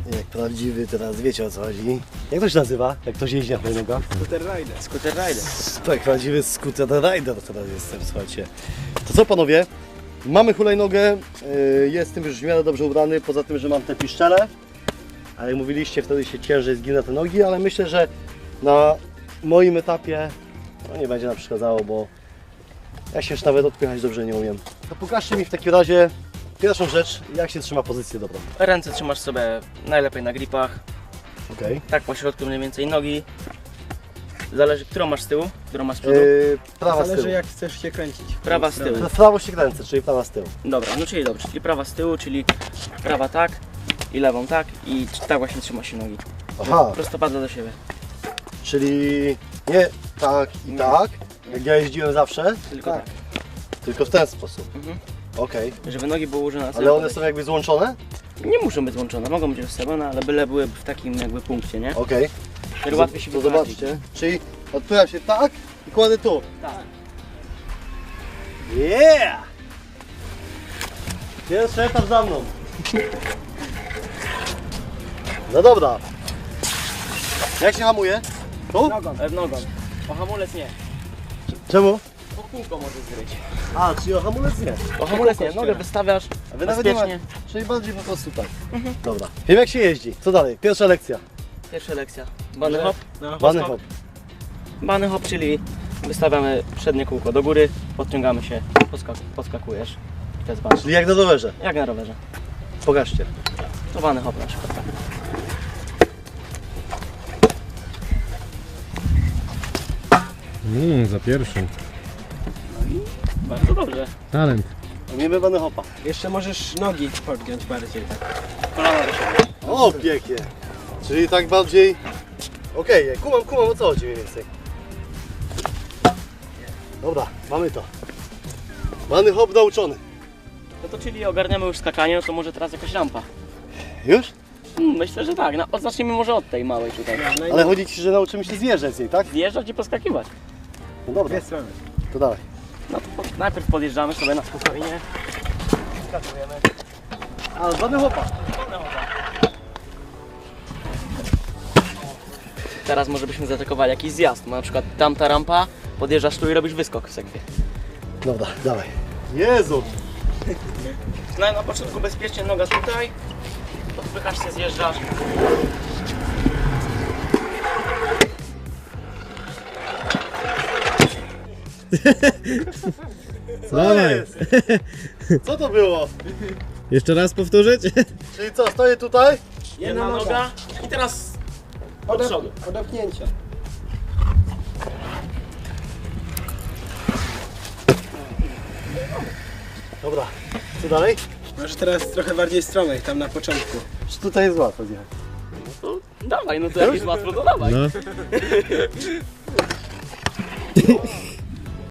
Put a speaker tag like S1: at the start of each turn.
S1: Jak prawdziwy, teraz wiecie o co chodzi. Jak to się nazywa? Jak ktoś jeździ na hulajnogach?
S2: Scooter rider.
S3: Scooter rider.
S1: Tak, prawdziwy scooter rider teraz jestem, słuchajcie. To co panowie? Mamy hulajnogę, jestem już w miarę dobrze ubrany, poza tym, że mam te piszczele. A jak mówiliście, wtedy się ciężej zginę te nogi, ale myślę, że na moim etapie no nie będzie nam przeszkadzało, bo ja się już nawet odpychać dobrze nie umiem. To pokażcie mi w takim razie pierwszą rzecz, jak się trzyma pozycję dobrą.
S3: Ręce trzymasz sobie najlepiej na gripach.
S1: Okej.
S3: Tak po środku mniej więcej nogi. Zależy, którą masz z tyłu, którą masz z przodu.
S1: Prawa z
S2: Zależy
S1: tyłu.
S2: jak chcesz się kręcić.
S3: Prawa z tyłu.
S1: W prawo się kręcę, czyli prawa z tyłu.
S3: Dobra, no czyli dobrze, czyli prawa z tyłu, czyli prawa tak i lewą tak i tak właśnie trzyma się nogi.
S1: Aha,
S3: Prostopadle do siebie.
S1: czyli nie tak i tak, jak ja jeździłem zawsze,
S3: Tylko tak.
S1: tylko w ten sposób.
S3: Mhm.
S1: Okej.
S3: Żeby nogi były ułożone na
S1: Ale one są jakby złączone?
S3: Nie muszą być złączone, mogą być rozstawione, ale byle były w takim jakby punkcie, nie?
S1: Okej.
S3: Wtedy łatwiej się
S1: To
S3: wyprowadzić.
S1: zobaczcie. Czyli odpycham się tak i kładę tu.
S3: Tak.
S1: Yeah! Pierwszy etap za mną. No dobra. Jak się hamuje? Tu?
S3: Nogą. O hamulec nie.
S1: Czemu?
S3: O kółko możesz zgryć.
S1: A, czyli o hamulec nie.
S3: O hamulec nie, nogę wystawiasz
S1: A wy nawet nie
S3: bezpiecznie.
S1: ma... Czyli bardziej po prostu tak. Dobra. Wiem jak się jeździ. Co dalej? Pierwsza lekcja.
S3: Pierwsza lekcja. Bunny hop.
S1: Bunny hop.
S3: Bunny hop, czyli wystawiamy przednie kółko do góry, podciągamy się, podskakujesz. I to jest bunny.
S1: Czyli jak na rowerze.
S3: Jak na rowerze.
S1: Pokażcie.
S3: To bunny hop na przykład. Tak.
S4: Za pierwszym.
S3: Bardzo dobrze.
S4: Talent.
S1: Umiemy bunny hopa.
S2: Jeszcze możesz nogi podgiąć bardziej tak.
S3: Kolana do siebie.
S1: O, pięknie. Czyli tak bardziej... Okej, kumam o co chodzi mniej więcej. Dobra, mamy to. Bunny hop nauczony.
S3: No to czyli ogarniamy już skakanie, no to może teraz jakaś rampa.
S1: Już?
S3: Myślę, że tak. No, zacznijmy może od tej małej tutaj.
S1: Ale chodzi ci, że nauczymy się zjeżdżać z niej, tak?
S3: Zjeżdżać i poskakiwać.
S1: No dobra,
S2: Dwie strony.
S1: to dawaj.
S3: No to najpierw podjeżdżamy sobie na spokojnie. Skakujemy.
S1: A, bunny hopa.
S3: Teraz może byśmy zaatakowali jakiś zjazd. Na przykład tamta rampa, podjeżdżasz tu i robisz wyskok w segwie.
S1: Dobra, dawaj. Jezu!
S3: Na początku bezpiecznie noga tutaj. Odpychasz się, zjeżdżasz.
S1: Co
S4: Dawaj.
S1: jest? Co to było?
S4: Jeszcze raz powtórzyć?
S1: Czyli co, stoję tutaj?
S3: Jedna noga i teraz od przodu.
S2: Odepchnięcie.
S1: Dobra, co dalej?
S2: Możesz teraz trochę bardziej stromych, tam na początku.
S1: Czy tutaj jest łatwo zjechać?
S3: To dawaj, no to jak jest łatwo, to dawaj.
S4: No.